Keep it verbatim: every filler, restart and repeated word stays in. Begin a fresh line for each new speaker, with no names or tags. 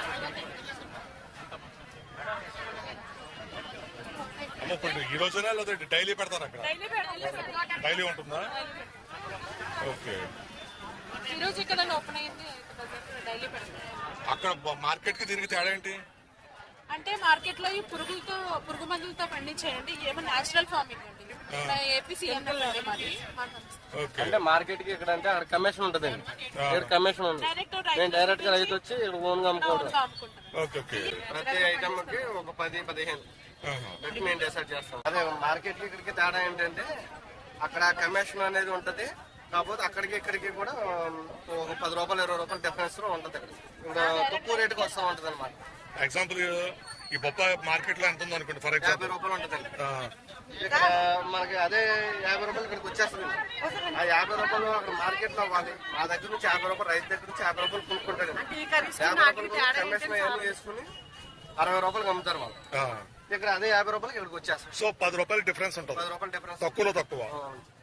అమ్మ ఇప్పుడు ఈ రోజునా లేదా డైలీ పెడతారు అక్కడ? డైలీ ఉంటుందా? ఓకే.
ఈరోజు ఇక్కడ ఓపెన్ అయ్యింది, డైలీ పెడతారు.
అక్కడ మార్కెట్ కి దీనికి తేడా ఏంటి
అంటే మార్కెట్ లో ఈ పురుగులతో పురుగు మందులతో పండించేయండి, ఏమో నేచురల్ ఫార్మింగ్ అండి. ఏపీసీ
అంటే మార్కెట్ కి ఇక్కడ అంటే అక్కడ కమిషన్ ఉంటది, ఇక్కడ కమిషన్ ఉంది. నేను డైరెక్ట్ గా రైతు వచ్చి ఇక్కడ ఓన్ గా అమ్ముకోవడం. ప్రతి ఐటమ్ కి ఒక పది పదిహేను పెట్టి మేము డిసైడ్ చేస్తాం. అదే మార్కెట్ కి ఇక్కడికి తేడా ఏంటంటే అక్కడ కమిషన్ అనేది ఉంటది, కాకపోతే అక్కడికి ఇక్కడికి కూడా ఒక పది రూపాయలు ఇరవై రూపాయలు డిఫరెన్స్ లో ఉంటది. ఇక్కడ తక్కువ రేటుకి వస్తూ ఉంటది అనమాట.
ఎగ్జాంపుల్ ఈ బొప్పాయి మార్కెట్ లో ఎంత ఉంది అనుకోండి, ఫర్ ఎగ్జాంపుల్
యాభై రూపాయలు ఉంటదండి. ఇక్కడ మనకి అదే యాభై రూపాయలు ఇక్కడికి వచ్చేస్తుంది. ఆ యాభై రూపాయలు అక్కడ మార్కెట్ లో అవ్వాలి. మా దగ్గర నుంచి యాభై రూపాయలు, రైతు దగ్గర నుంచి యాభై రూపాయలు కొనుక్కుంటారు. యాభై రూపాయలు కమిషన్ అవన్నీ వేసుకుని అరవై రూపాయలు అమ్ముతారు వాళ్ళు. ఇక్కడ అదే యాభై రూపాయలకి ఇక్కడికి వచ్చేస్తారు.
సో పది రూపాయలు డిఫరెన్స్ ఉంటుంది,
పది రూపాయలు డిఫరెన్స్
తక్కువలో తక్కువ.